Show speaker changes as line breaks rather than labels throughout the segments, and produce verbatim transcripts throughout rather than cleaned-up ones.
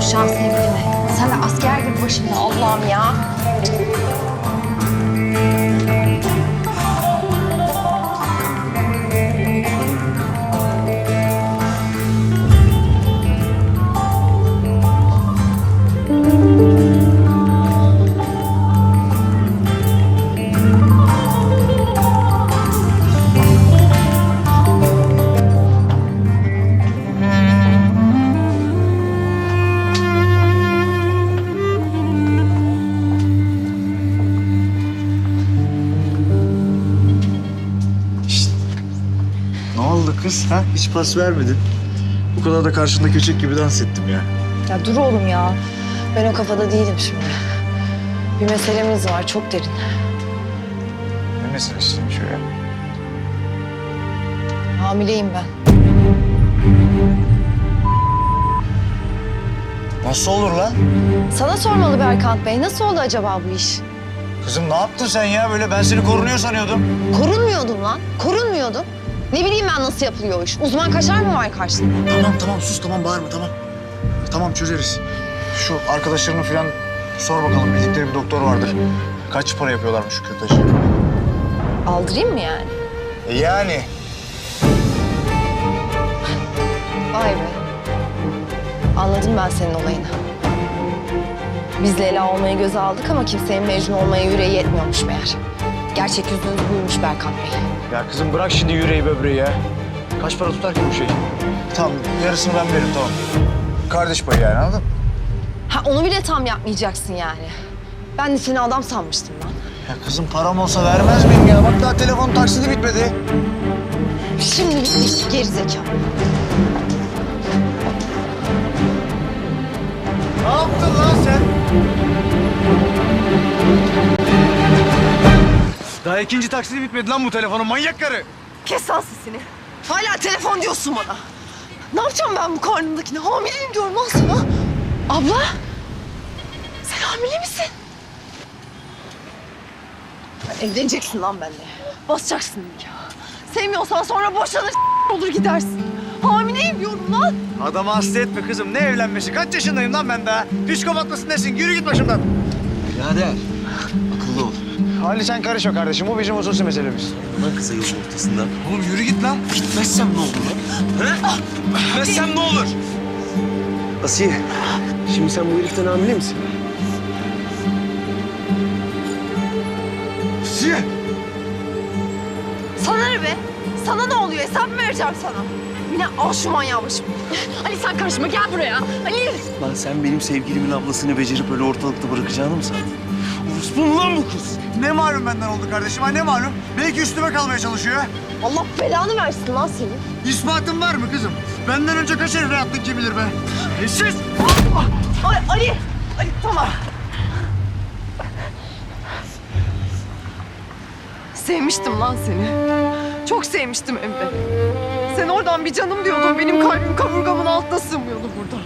kavuşacağım sevgilime. Sen de asker gibi başımda Allah'ım ya.
Kız ha hiç pas vermedin. Bu kadar da karşında köçek gibi dans ettim ya.
Ya dur oğlum ya. Ben o kafada değilim şimdi. Bir meselemiz var çok derin.
Ne meselesiymiş o ya?
Hamileyim ben.
Nasıl olur lan?
Sana sormalı Berkant Bey. Nasıl oldu acaba bu iş?
Kızım ne yaptın sen ya böyle? Ben seni korunuyor sanıyordum.
Korunmuyordum lan. Korunmuyordum. Ne bileyim ben nasıl yapılıyor o iş. Uzman kaşar mı var karşında?
Tamam tamam sus tamam bağırma tamam. Tamam çözeriz. Şu arkadaşlarını falan sor bakalım. Bildikleri bir doktor vardır. Kaç para yapıyorlarmış şu kürtajı?
Aldırayım mı yani?
E yani.
Vay be. Anladım ben senin olayını. Biz Leyla olmayı göze aldık ama kimsenin Mecnun olmaya yüreği yetmiyormuş meğer. Gerçek yüzünüz buymuş Berkant Bey.
Ya kızım bırak şimdi yüreği böbreği ya. Kaç para tutar ki bu şey? Tamam yarısını ben veririm tamam. Kardeş payı yani anladın mı?
Ha onu bile tam yapmayacaksın yani. Ben de seni adam sanmıştım lan.
Ya kızım param olsa vermez miyim ya? Bak daha telefon taksidi bitmedi.
Şimdi bitti işte gerizekalı.
Ne yaptın lan sen? Daha ikinci taksidi bitmedi lan bu telefonun manyak karı.
Kes lan sesini. Hala telefon diyorsun bana. Ne yapacağım ben bu karnımdakine? Hamileyim diyorum lan sana. Abla. Sen hamile misin? Evleneceksin lan benimle. Basacaksın ya. Sevmiyorsan sonra boşanır olur gidersin. Hamileyim diyorum lan.
Adamı hasta etme kızım. Ne evlenmesi? Kaç yaşındayım lan ben daha? Psikopat mısın nesin? Yürü git başımdan.
Birader, akıllı ol.
Ali sen karışma kardeşim. Bu bizim hususi meselemiz.
Lan kısa yolun ortasında.
Oğlum yürü git lan.
Gitmezsem ne olur lan? He? Gitmezsem ne olur? Asiye, şimdi sen bu heriften hamile misin?
Asiye!
Sana ne be? Sana ne oluyor? Hesap mı vereceğim sana? Yine al şu manyağı başımı. Ali sen karışma gel buraya. Ali.
Lan sen benim sevgilimin ablasını becerip öyle ortalıkta bırakacağını mı sandın? Orospu mu lan bu kız?
Ne malum benden oldu kardeşim ha ne malum? Belki üstüme kalmaya çalışıyor.
Allah belanı versin lan seni.
İspatın var mı kızım? Benden önce kaç herifle yattın kim bilir be? Eşsiz!
Ali, Ali, Ali tamam. Sevmiştim lan seni. Çok sevmiştim hem de. Sen oradan bir canım diyordun. Benim kalbim kaburgamın altına sığmıyordu burada.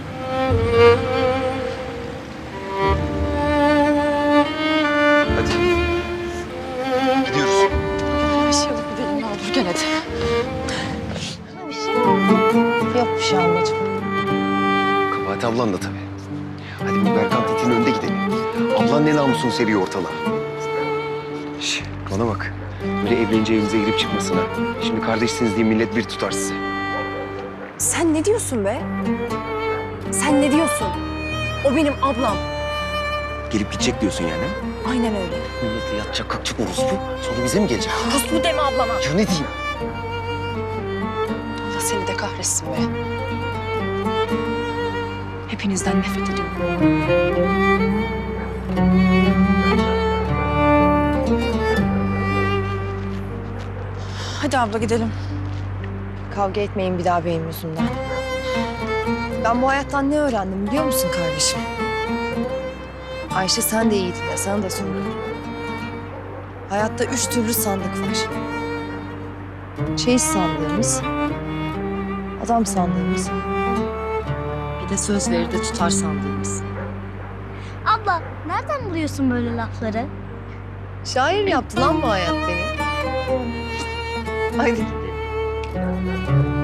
Hadi. Gidiyoruz.
Bir şey alıp gidelim ne olur gel hadi. Bir şey mi? Yok bir şey ablacığım.
Kabahat ablan da tabii. Hadi bu Berkant itinin önünde gidelim. Ablan ne namusunu seriyor ortalığa. Şş, bana bak. Böyle evlenince evinize girip çıkmasın ha. Şimdi kardeşsiniz diye millet bir tutar sizi.
Sen ne diyorsun be? Sen ne diyorsun? O benim ablam.
Gelip gidecek diyorsun yani.
Aynen öyle.
Millete yatacak kalkacak orospu. Sonra bize mi gelecek?
Ruslu deme ablama.
Ya ne diyeyim?
Allah seni de kahretsin be. Hepinizden nefret ediyorum. Hadi abla gidelim.
Kavga etmeyin bir daha benim yüzümden. Ben bu hayattan ne öğrendim biliyor musun kardeşim? Ayşe sen de iyi dinle, sana da söylüyorum. Hayatta üç türlü sandık var. Çeyiz sandığımız, adam sandığımız, bir de söz verir de tutar sandığımız.
Abla, nereden buluyorsun böyle lafları?
Şair yaptı lan bu hayat beni. Haydi gidelim.